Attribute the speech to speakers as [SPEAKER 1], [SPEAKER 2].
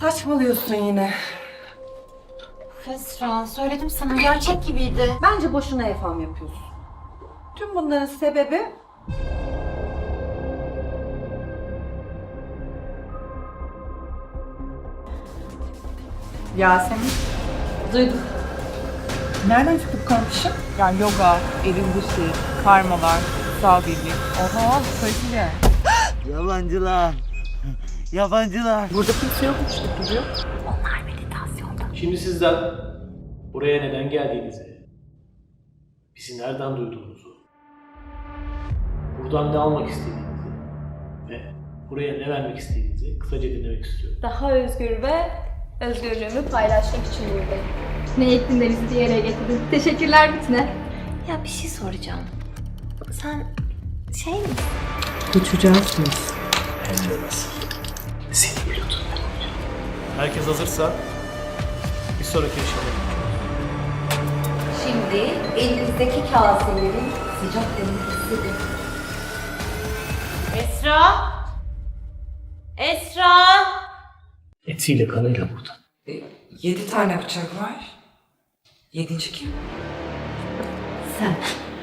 [SPEAKER 1] Saçmalıyorsun yine.
[SPEAKER 2] Esra, söyledim sana gerçek gibiydi.
[SPEAKER 1] Bence boşuna efam yapıyorsun. Tüm bunların sebebi...
[SPEAKER 3] Yasemin.
[SPEAKER 1] Duydum. Nereden çıktı bu karmaşa?
[SPEAKER 3] Yani yoga, elin dışı, karmalar, kutsal birlik. Oha, kaliteli yani.
[SPEAKER 4] Yabancılar. Yabancılar.
[SPEAKER 3] Burada kimse yokmuş gibi duruyor.
[SPEAKER 5] Şimdi sizden buraya neden geldiğinizi, bizi nereden duyduğunuzu, buradan ne almak istediğinizi ve buraya ne vermek istediğinizi kısaca dinlemek istiyorum.
[SPEAKER 6] Daha özgür ve özgürlüğümü paylaşmak için buradayım. Ne ettin de bizi bir araya getirdin. Teşekkürler Bitne.
[SPEAKER 2] Ya bir şey soracağım. Sen şey mi?
[SPEAKER 1] Uçacağız biz.
[SPEAKER 5] Hem de nasıl? Seni biliyordum. Herkes hazırsa bir sonraki aşamaya.
[SPEAKER 1] Şimdi elinizdeki kaselerin sıcak demini hissedin.
[SPEAKER 2] Esra! Esra!
[SPEAKER 5] Etiyle kanıyla burada.
[SPEAKER 1] 7 tane bıçak var. 7. kim?
[SPEAKER 2] Sen.